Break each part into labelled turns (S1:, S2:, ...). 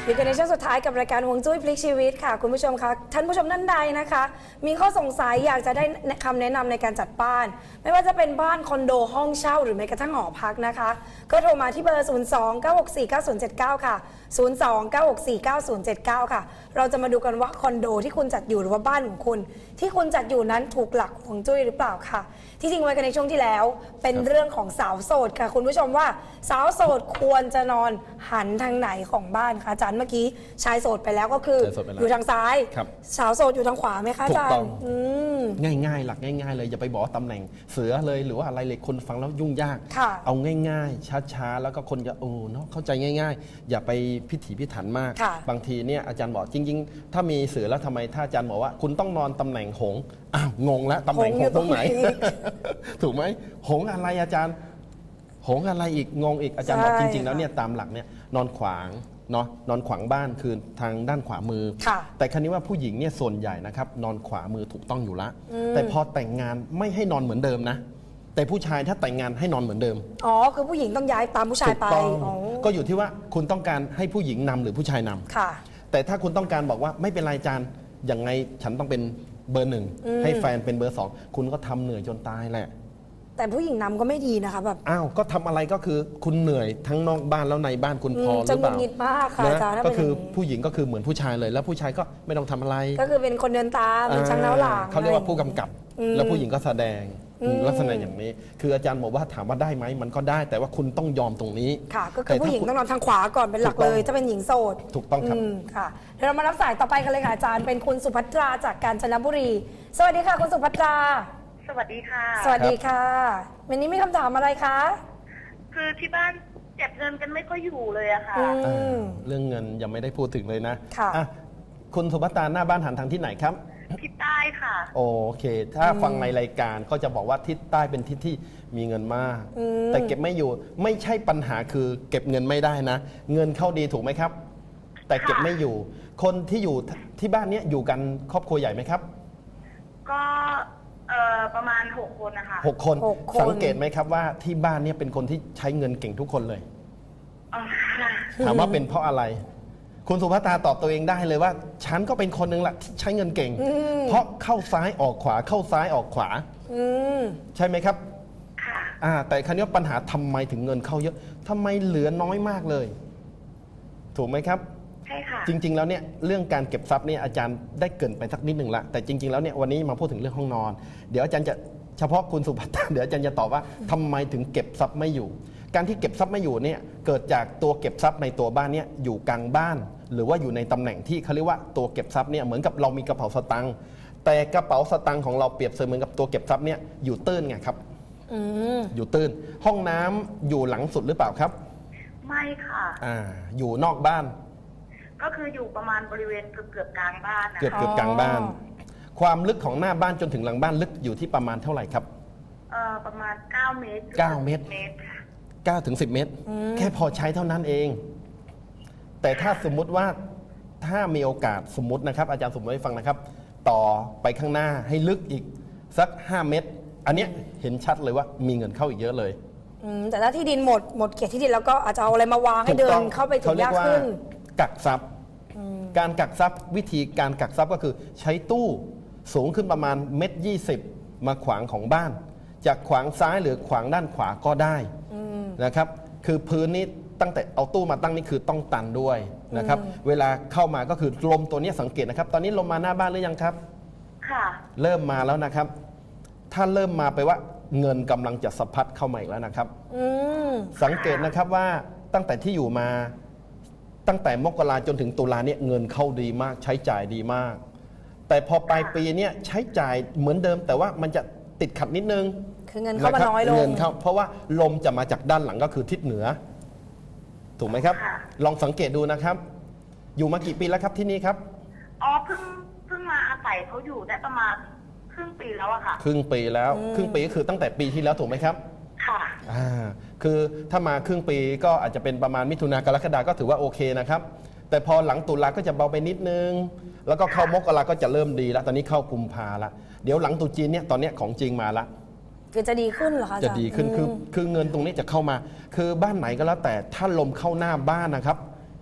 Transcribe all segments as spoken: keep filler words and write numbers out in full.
S1: อยู่กันในช่วงสุดท้ายกับรายการฮวงจุ้ยพลิกชีวิตค่ะคุณผู้ชมคะท่านผู้ชมท่านใดนะคะมีข้อสงสัยอยากจะได้คำแนะนำในการจัดบ้านไม่ว่าจะเป็นบ้านคอนโดห้องเช่าหรือแม้กระทั่งหอพักนะคะก็โทรมาที่เบอร์ ศูนย์ สอง เก้า หก สี่ เก้า ศูนย์ เจ็ด เก้า ค่ะ ศูนย์ สอง เก้า หก สี่ เก้า ศูนย์ เจ็ด เก้า ค่ะเราจะมาดูกันว่าคอนโดที่คุณจัดอยู่หรือว่าบ้านของคุณที่คุณจัดอยู่นั้นถูกหลักฮวงจุ้ยหรือเปล่าค่ะที่จริงไว้กันในช่วงที่แล้วเป็นเรื่องของสาวโสดค่ะคุณผู้ชมว่าสาวโสดควรจะนอนหันทางไหนของบ้านคะอาจารย์เมื่อกี้ชายโสดไปแล้วก็คืออยู่ทางซ้ายสาวโสดอยู่ทางขวาไหมคะอาจารย์
S2: ง่ายๆหลักง่ายๆเลยอย่าไปบอกตำแหน่งเสือเลยหรือว่าอะไรเลยคนฟังแล้วยุ่งยากเอาง่ายๆช้าๆแล้วก็คนจะโอ้เนาะเข้าใจง่ายๆอย่าไปพิถีพิถันมากบางทีเนี่ยอาจารย์บอกจริงๆถ้ามีเสือแล้วทำไมถ้าอาจารย์บอกว่าคุณต้องนอนตำแหน่งหงอ้าวงงแล้วตำแหน่งหงตรงไหนถูกไหมหงอะไรอาจารย์หงอะไรอีกงงอีกอาจารย์บอกจริงๆแล้วเนี่ยตามหลักเนี่ยนอนขวางเนาะนอนขวางบ้านคือทางด้านขวามือแต่ครั้นี้ว่าผู้หญิงเนี่ยส่วนใหญ่นะครับนอนขวามือถูกต้องอยู่ละแต่พอแต่งงานไม่ให้นอนเหมือนเดิมนะแต่ผู้ชายถ้าแต่งงานให้นอนเหมือนเดิม
S1: อ๋อคือผู้หญิงต้องย้ายตามผู้ชายไป
S2: ก็อยู่ที่ว่าคุณต้องการให้ผู้หญิงนำหรือผู้ชายนำค่ะแต่ถ้าคุณต้องการบอกว่าไม่เป็นไรอาจารย์ยังไงฉันต้องเป็นเบอร์หนึ่งให้แฟนเป็นเบอร์สองคุณก็ทำเหนื่อยจนตายแหละ
S1: แต่ผู้หญิงนำก็ไม่ดีนะคะแบบ
S2: อ้าวก็ทำอะไรก็คือคุณเหนื่อยทั้งนอกบ้านแล้วในบ้านคุณพอหรือเปล่า
S1: จะหงุดหงิดมากค่ะอาจารย์
S2: ก็คือผู้หญิงก็คือเหมือนผู้ชายเลยแล้วผู้ชายก็ไม่ต้องทำอะไร
S1: ก็คือเป็นคนเดินตามเป็นช่างเล้าหลัง
S2: เขาเรียกว่าผู้กำกับแล้วผู้หญิงก็แสดงลักษณะอย่างนี้คืออาจารย์บอกว่าถามว่าได้ไหมมันก็ได้แต่ว่าคุณต้องยอมตรงนี้
S1: ค่ะก็คือผู้หญิงต้องนอนทางขวาก่อนเป็นหลักเลยถ้าเป็นหญิงโสด
S2: ถูกต้องครับ
S1: ค่ะเดี๋ยวเรามารับสายต่อไปกันเลยค่ะอาจารย์เป็นคุณสุภัตราจากกาญจนบุรีสวัสดีค่ะคุณสุภัตรา
S3: สวัสดีค่ะ
S1: สวัสดีค่ะวันนี้มีคำถามอะไรคะ
S3: คือที่บ้านเก็บเงินกันไม่ค่อยอยู่เลยอะค่ะ
S2: เรื่องเงินยังไม่ได้พูดถึงเลยนะค่ะคุณสุภัตราหน้าบ้านหันทางที่ไหนครับ
S3: ทิศใต้ค่ะ
S2: โอเคถ้าฟังในรายการก็จะบอกว่าทิศใต้เป็นทิศที่มีเงินมากแต่เก็บไม่อยู่ไม่ใช่ปัญหาคือเก็บเงินไม่ได้นะเงินเข้าดีถูกไหมครับแต่เก็บไม่อยู่คนที่อยู่ที่บ้านนี้อยู่กันครอบครัวใหญ่ไหมครับ
S3: ก็เอ่อประมาณหกคนนะคะ
S2: หกคนสังเกตไหมครับว่าที่บ้านนี้เป็นคนที่ใช้เงินเก่งทุกคนเลยถามว่าเป็นเพราะอะไรคุณสุภัตราตอบตัวเองได้เลยว่าฉันก็เป็นคนหนึ่งแหละที่ใช้เงินเก่งเพราะเข้าซ้ายออกขวาเข้าซ้ายออกขวาใช่ไหมครับค่ะแต่คราวนี้ปัญหาทำไมถึงเงินเข้าเยอะทำไมเหลือน้อยมากเลยถูกไหมครับ
S3: ใช่ค่ะ
S2: จริงๆแล้วเนี่ยเรื่องการเก็บทรัพย์เนี่ยอาจารย์ได้เกริ่นไปสักนิดหนึ่งละแต่จริงๆแล้วเนี่ยวันนี้มาพูดถึงเรื่องห้องนอนเดี๋ยวอาจารย์จะเฉพาะคุณสุภัตราเดี๋ยวอาจารย์จะตอบว่าทำไมถึงเก็บทรัพย์ไม่อยู่การที่เก็บทรัพย์ไม่อยู่เนี่ยเกิดจากตัวเก็บทรัพย์ในตัวบ้านเนี่ยอยู่กลางบ้านหรือว่าอยู่ในตำแหน่งที่เขาเรียกว่าตัวเก็บทรัพย์เนี่ยเหมือนกับเรามีกระเป๋าสตางค์แต่กระเป๋าสตางค์ของเราเปรียบเสมือนกับตัวเก็บทรัพย์เนี่ยอยู่ตื้นไงครับอยู่ตื้นห้องน้ำอยู่หลังสุดหรือเปล่าครับ
S3: ไม่ค่ะ
S2: อ่าอยู่นอกบ้าน
S3: ก็คืออยู่ประมาณบริเวณเกือบเกือบกลางบ้าน
S2: เกือบเกือบกลางบ้านความลึกของหน้าบ้านจนถึงหลังบ้านลึกอยู่ที่ประมาณเท่าไหร่ครับ
S3: เอ่อประมาณเก้าเมตร
S2: เก้าเมตรเก้าถึงสิบเมตรแค่พอใช้เท่านั้นเองแต่ถ้าสมมุติว่าถ้ามีโอกาสสมมตินะครับอาจารย์สมมติให้ฟังนะครับต่อไปข้างหน้าให้ลึกอีกสักห้าเมตรอันนี้เห็นชัดเลยว่ามีเงินเข้าอีกเยอะเลย
S1: แต่ถ้าที่ดินหมดหมดเขตที่ดินแล้วก็อาจจะเอาอะไรมาวางให้เดินเข้าไปถึงยากขึ้น
S2: กักทรัพย์การกักทรัพย์วิธีการกักทรัพย์ก็คือใช้ตู้สูงขึ้นประมาณเมตรยี่สิบมาขวางของบ้านจากขวางซ้ายหรือขวางด้านขวาก็ได้นะครับคือพื้นนี้ตั้งแต่เอาตู้มาตั้งนี่คือต้องตันด้วยนะครับเวลาเข้ามาก็คือลมตัวนี้สังเกตนะครับตอนนี้ลมมาหน้าบ้านหรือยังครับ
S3: ค่ะ
S2: เริ่มมาแล้วนะครับถ้าเริ่มมาไปว่าเงินกำลังจะสะพัดเข้ามาอีกแล้วนะครับสังเกตนะครับว่าตั้งแต่ที่อยู่มาตั้งแต่มกราจนถึงตุลาเนี่ยเงินเข้าดีมากใช้จ่ายดีมากแต่พอปลายปีเนี่ยใช้จ่ายเหมือนเดิมแต่ว่ามันจะติดขัดนิดนึง
S1: คือเงินเข้ามาน้อยลง
S2: เงินเข้าเพราะว่าลมจะมาจากด้านหลังก็คือทิศเหนือถูกไหมครับลองสังเกตดูนะครับอยู่มากี่ปีแล้วครับที่นี่ครับ
S3: อ๋อเพิ่งเพิ่งมาอาศัยเขาอยู่ได้ประมาณครึ่งปีแล้วอะค่ะ
S2: ครึ่งปีแล้วครึ่งปีก็คือตั้งแต่ปีที่แล้วถูกไหมครับ
S3: ค่ะ
S2: อ่าคือถ้ามาครึ่งปีก็อาจจะเป็นประมาณมิถุนากรกฎาก็ถือว่าโอเคนะครับแต่พอหลังตุลาก็จะเบาไปนิดนึงแล้วก็เข้ามกราก็จะเริ่มดีแล้วตอนนี้เข้ากุมภาละเดี๋ยวหลังตุจีนเนี่ยตอนนี้ของจริงมาละ
S1: คือจะดีขึ้นเหรอคะ
S2: จะดีขึ้นคือคือเงินตรงนี้จะเข้ามาคือบ้านไหนก็แล้วแต่ถ้าลมเข้าหน้าบ้านนะครับ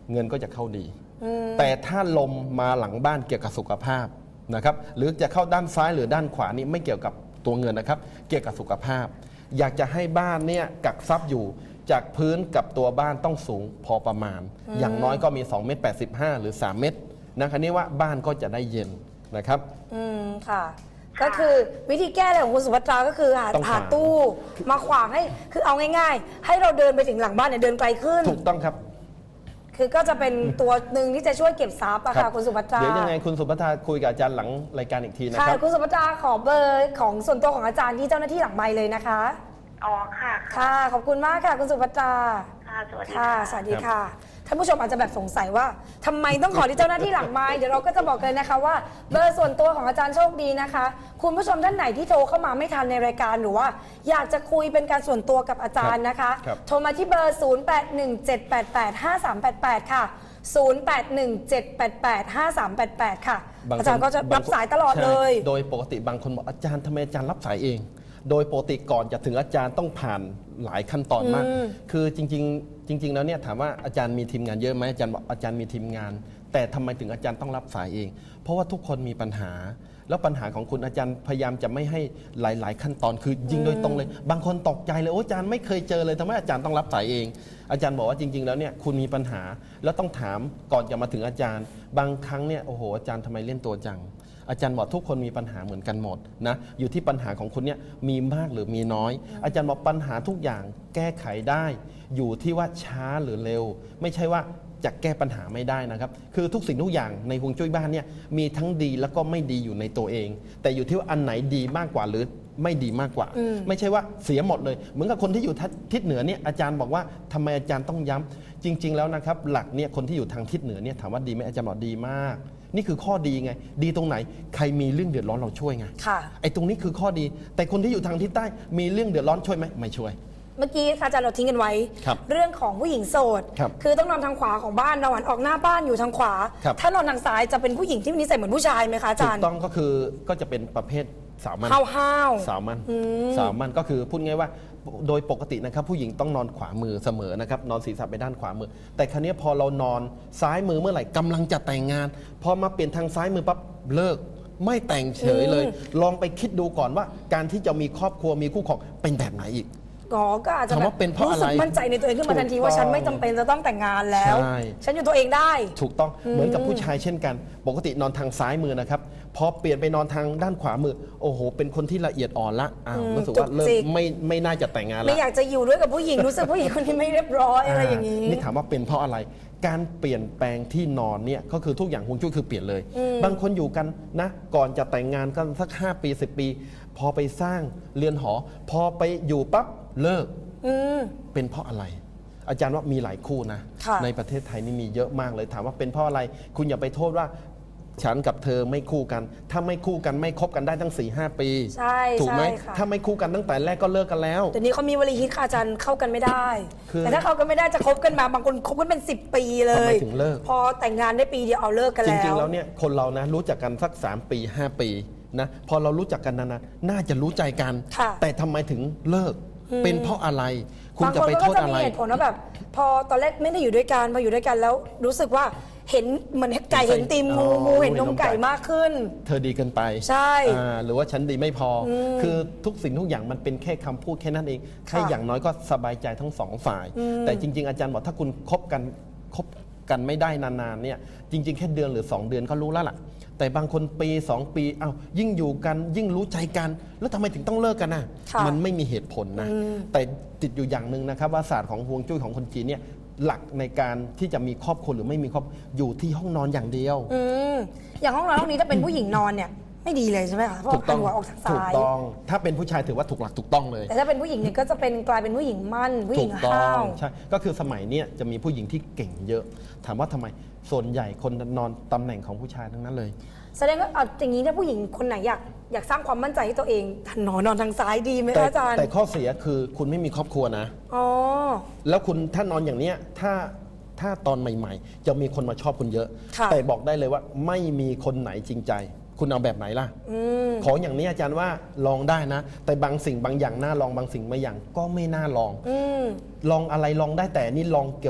S2: เงินก็จะเข้าดีแต่ถ้าลมมาหลังบ้านเกี่ยวกับสุขภาพนะครับหรือจะเข้าด้านซ้ายหรือด้านขวานี่ไม่เกี่ยวกับตัวเงินนะครับเกี่ยวกับสุขภาพ อยากจะให้บ้านเนี่ยกักทรัพย์อยู่จากพื้นกับตัวบ้านต้องสูงพอประมาณ อย่างน้อยก็มีสองเมตรแปดสิบห้าหรือสามเมตรนะคะนี่ว่าบ้านก็จะได้เย็นนะครับ
S1: อืมค่ะก็คือวิธีแก้เลยของคุณสุภัตราก็คือหาหาตู้มาขวางให้คือเอาง่ายๆให้เราเดินไปถึงหลังบ้านเนี่ยเดินไกลขึ้น
S2: ถูกต้องครับ
S1: คือก็จะเป็นตัวหนึ่งที่จะช่วยเก็บทรัพย์อะค่ะคุณสุภัตรา
S2: เดี๋ยวยังไงคุณสุภัตราคุยกับอาจารย์หลังรายการอีกทีนะครับ
S1: ค่ะคุณสุภัตราขอเบอร์ของส่วนตัวของอาจารย์ที่เจ้าหน้าที่หลังไมค์เลยนะคะ
S3: อ๋อค่ะ
S1: ค่ะขอบคุณมากค่ะคุณสุภัตรา
S3: ค่ะสวัสดี
S1: ค่ะสวัสดีค่ะท่านผู้ชมอาจจะแบบสงสัยว่าทำไมต้องขอที่เจ้าหน้าที่หลังไมค์เดี๋ยวเราก็จะบอกเลยนะคะว่าเบอร์ส่วนตัวของอาจารย์โชคดีนะคะคุณผู้ชมท่านไหนที่โทรเข้ามาไม่ทันในรายการหรือว่าอยากจะคุยเป็นการส่วนตัวกับอาจารย์นะคะโทรมาที่เบอร์ ศูนย์ แปด หนึ่ง เจ็ด แปด แปด ห้า สาม แปด แปด ค่ะ ศูนย์ แปด หนึ่ง เจ็ด แปด แปด ห้า สาม แปด แปด ค่ะอาจารย์ก็จะรับสายตลอดเลย
S2: โดยปกติบางคนบอกอาจารย์ทำไมอาจารย์รับสายเองโดยปกติก่อนจะถึงอาจารย์ต้องผ่านหลายขั้นตอนมากคือจริงๆจริงๆแล้วเนี่ยถามว่าอาจารย์มีทีมงานเยอะไหมอาจารย์บอกอาจารย์มีทีมงานแต่ทำไมถึงอาจารย์ต้องรับสายเองเพราะว่าทุกคนมีปัญหาแล้วปัญหาของคุณอาจารย์พยายามจะไม่ให้หลายๆขั้นตอนคือยิงโดยตรงเลยบางคนตกใจเลยโอ้อาจารย์ไม่เคยเจอเลยทำไมอาจารย์ต้องรับสายเองอาจารย์บอกว่าจริงๆแล้วเนี่ยคุณมีปัญหาแล้วต้องถามก่อนจะมาถึงอาจารย์บางครั้งเนี่ยโอ้โหอาจารย์ทำไมเล่นตัวจังอาจารย์บอกทุกคนมีปัญหาเหมือนกันหมดนะอยู่ที่ปัญหาของคุณเนี่ยมีมากหรือมีน้อยอาจารย์บอกปัญหาทุกอย่างแก้ไขได้อยู่ที่ว่าช้าหรือเร็วไม่ใช่ว่าจะแก้ปัญหาไม่ได้นะครับคือทุกสิ่งทุกอย่างในฮวงจุ้ยบ้านเนี่ยมีทั้งดีแล้วก็ไม่ดีอยู่ในตัวเองแต่อยู่ที่ว่าอันไหนดีมากกว่าหรือไม่ดีมากกว่าไม่ใช่ว่าเสียหมดเลยเหมือนกับคนที่อยู่ทิศเหนือเนี่ยอาจารย์บอกว่าทำไมอาจารย์ต้องย้ำจริงๆแล้วนะครับหลักเนี่ยคนที่อยู่ทางทิศเหนือเนี่ยถามว่าดีไหมอาจารย์บอกดีมากนี่คือข้อดีไงดีตรงไหนใครมีเรื่องเดือดร้อนเราช่วยไงไอ้ตรงนี้คือข้อดีแต่คนที่อยู่ทางทิศใต้มีเรื่องเดือดร้อนช่วยไหมไม่ช่วย
S1: เมื่อกี้อาจารย์เราทิ้งกันไว้เรื่องของผู้หญิงโสดคือต้องนอนทางขวาของบ้านนอนออกหน้าบ้านอยู่ทางขวาถ้านอนทางซ้ายจะเป็นผู้หญิงที่นิสัยเหมือนผู้ชายไหมคะอาจารย์
S2: ถูกต้องก็คือก็จะเป็นประเภทสาวมัน
S1: ห้าว
S2: สาวมันสาวมันก็คือพูดง่ายว่าโดยปกตินะครับผู้หญิงต้องนอนขวามือเสมอนะครับนอนศีรษะไปด้านขวามือแต่ครั้นี้พอเรานอนซ้ายมือเมื่อไหร่กำลังจะแต่งงานพอมาเปลี่ยนทางซ้ายมือปั๊บเลิกไม่แต่งเฉยเลยลองไปคิดดูก่อนว่าการที่จะมีครอบครัวมีคู่ครองเป็นแบบไหนอีก
S1: อ๋อก็อาจจะแบบรู้สึกมั่นใจในตัวเองขึ้นมาทันทีว่าฉันไม่จำเป็นจะต้องแต่งงานแล้วฉันอยู่ตัวเองได้
S2: ถูกต้องเหมือนกับผู้ชายเช่นกันปกตินอนทางซ้ายมือนะครับพอเปลี่ยนไปนอนทางด้านขวามือโอ้โหเป็นคนที่ละเอียดอ่อนละอ้าวรู้สึกว่าเริ่มไม่ไม่น่าจะแต่งงานแล้ว
S1: ไม่อยากจะอยู่ด้วยกับผู้หญิงรู้สึกผู้หญิงคนนี้ไม่เรียบร้อยอะไรอย่างนี้
S2: นี่ถามว่าเป็นเพราะอะไรการเปลี่ยนแปลงที่นอนเนี่ยก็คือทุกอย่างฮวงจุ้ยคือเปลี่ยนเลยบางคนอยู่กันนะก่อนจะแต่งงานกันสักห้าปีสิบปีพอไปสร้างเรือนหอพอไปอยู่ปั๊บเลิกเป็นเพราะอะไรอาจารย์ว่ามีหลายคู่นะในประเทศไทยนี่มีเยอะมากเลยถามว่าเป็นเพราะอะไรคุณอย่าไปโทษว่าฉันกับเธอไม่คู่กันถ้าไม่คู่กันไม่คบกันได้ตั้ง สี่ห้า ปีถูกไหมถ้าไม่คู่กันตั้งแต่แรกก็เลิกกันแล้ว
S1: แต่นี้เขามีวลีฮิตค่ะอาจารย์เข้ากันไม่ได้แต่ถ้าเข้ากันไม่ได้จะคบกันมาบางคนคบกันเป็นสิบปีเลย
S2: ถึงเลิก
S1: พอแต่งงานได้ปีเดียวเอาเลิกกันแล้ว
S2: จริงๆแล้วเนี่ยคนเรานะรู้จักกันสักสามปีห้าปีนะพอเรารู้จักกันนานๆน่าจะรู้ใจกันแต่ทำไมถึงเลิกเป็นเพราะอะไรคุณจะไปโทษอะไร
S1: บางคนก็จะมีเหตุผลว่าแบบพอตอนแรกไม่ได้อยู่ด้วยกันพออยู่ด้วยกันแล้วรู้สึกว่าเห็นเหมือนไก่เห็นตีมงูงูเห็นนมไก่มากขึ้น
S2: เธอดีเกินไป
S1: ใช่
S2: หรือว่าฉันดีไม่พอคือทุกสิ่งทุกอย่างมันเป็นแค่คำพูดแค่นั้นเองแค่อย่างน้อยก็สบายใจทั้งสองฝ่ายแต่จริงๆอาจารย์บอกถ้าคุณคบกันคบกันไม่ได้นานๆเนี่ยจริงๆแค่เดือนหรือสองเดือนก็รู้แล้วล่ะแต่บางคนปีสองปีอ้าวยิ่งอยู่กันยิ่งรู้ใจกันแล้วทำไมถึงต้องเลิกกันน่ะมันไม่มีเหตุผลนะแต่ติดอยู่อย่างหนึ่งนะครับว่าศาสตร์ของฮวงจุ้ยของคนจีนเนี่ยหลักในการที่จะมีครอบครัวหรือไม่มีครอบอยู่ที่ห้องนอนอย่างเดียว
S1: อืมอย่างห้องนอนห้องนี้ถ้าเป็นผู้หญิงนอนเนี่ยไม่ดีเลยใช่ไหมคะเพราะหัวออกทางซ้าย
S2: ถูกต้องถ้าเป็นผู้ชายถือว่าถูกหลักถูกต้องเลย
S1: แต่ถ้าเป็นผู้หญิงเนี่ยก็จะเป็นกลายเป็นผู้หญิงมั่นผู้หญิงห้าว
S2: ใช่ก็คือสมัยนี้จะมีผู้หญิงที่เก่งเยอะถามว่าทำไมส่วนใหญ่คนนอนตำแหน่งของผู้ชายทั้งนั้นเลย
S1: แสดงว่าอย่างนี้ถ้าผู้หญิงคนไหนอยากอยากสร้างความมั่นใจให้ตัวเองนอนนอนทางซ้ายดีไหมอาจารย์
S2: แต่ข้อเสียคือคุณไม่มีครอบครัวนะอ๋อแล้วคุณถ้านอนอย่างเนี้ยถ้าถ้าตอนใหม่ๆจะมีคนมาชอบคุณเยอะแต่บอกได้เลยว่าไม่มีคนไหนจริงใจคุณเอาแบบไหนล่ะของอย่างนี้อาจารย์ว่าลองได้นะแต่บางสิ่งบางอย่างน่าลองบางสิ่งบางอย่างก็ไม่น่าลองลองอะไรลองได้แต่นี่ลองเกี่ยวกับ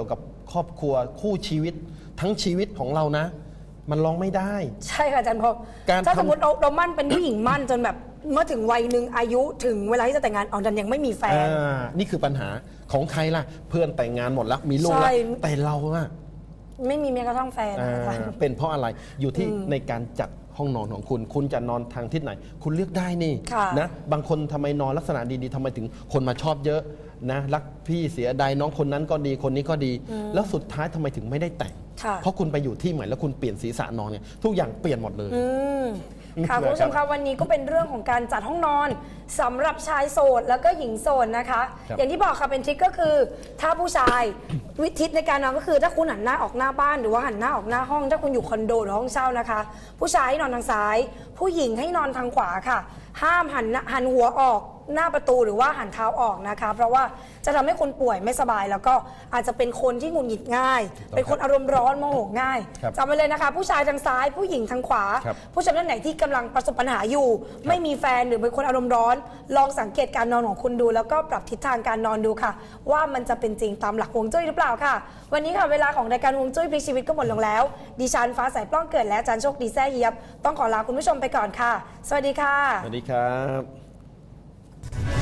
S2: ครอบครัวคู่ชีวิตทั้งชีวิตของเรานะ มันลองไม่ได้
S1: ใช่ค่ะอาจารย์พอ
S2: การ
S1: ถ้า
S2: ทำ
S1: สมมติเราเรามั่นเป็นผู้หญิงมั่นจนแบบเมื่อถึงวัยหนึ่งอายุถึงเวลาที่จะแต่งงานอ๋อดันยังไม่มีแฟน
S2: อ่านี่คือปัญหาของใครล่ะ เพื่อนแต่งงานหมดแล้วมีลูกแล้ว
S1: ใช่
S2: แต่เราอะ
S1: ไม่มีแม้กระทั่งแฟน
S2: อ่า
S1: นะคะ
S2: เป็นเพราะอะไรอยู่ที่ในการจัดห้องนอนของคุณ คุณจะนอนทางทิศไหน คุณเลือกได้นี่
S1: ค่ะ
S2: นะบางคนทำไมนอนลักษณะดีๆทำไมถึงคนมาชอบเยอะนะรักพี่เสียดายน้องคนนั้นก็ดีคนนี้ก็ดี แล้วสุดท้ายทำไมถึงไม่ได้แต่ง
S1: ค่ะ
S2: เพราะคุณไปอยู่ที่ใหม่แล้วคุณเปลี่ยนศีรษะนอนเนี่ยทุกอย่างเปลี่ยนหมดเลย
S1: อืมค่ะ
S2: นะครับ
S1: คุณผู้ชมคะวันนี้ก็เป็นเรื่องของการจัดห้องนอนสำหรับชายโสดแล้วก็หญิงโสดนะคะ
S2: ครับ
S1: อย่างที่บอกค่ะเป็นทริคก็คือ ถ้าผู้ชาย วิธีในการนอนก็คือถ้าคุณหันหน้าออกหน้าบ้านหรือว่าหันหน้าออกหน้าห้อง ถ้าคุณอยู่คอนโดหรือห้องเช่านะคะ ผู้ชายให้นอนทางซ้าย ผู้หญิงให้นอนทางขวาค่ะ ห้ามหันหน้าหันหัวออกหน้าประตูหรือว่าหันเท้าออกนะคะ เพราะว่าจะทำให้คนป่วยไม่สบาย แล้วก็อาจจะเป็นคนที่หงุดหงิดง่าย เป็นคนอารมณ์ร้อนโมโหง่าย
S2: ครับ
S1: จำไว้เลยนะคะ ผู้ชายทางซ้าย ผู้หญิงทางขวา
S2: ครับ
S1: ผู้ชมท่านไหนที่กำลังประสบปัญหาอยู่ ไม่มีแฟนหรือเป็นคนอารมณ์ร้อน ลองสังเกตการนอนของคุณดู แล้วก็ปรับทิศทางการนอนดูค่ะ ว่ามันจะเป็นจริงตามหลักฮวงจุ้ยหรือเปล่าค่ะ วันนี้ค่ะเวลาของรายการฮวงจุ้ยพลิกชีวิตก็หมดลงแล้ว ดิฉันฟ้าใสปล้องเกิดและอาจารย์โชคดีแซ่เยียบต้องขอลาคุณผู้ชมไปก่อนค่ะ สวัสดีค่ะ
S2: สวัสดีครับ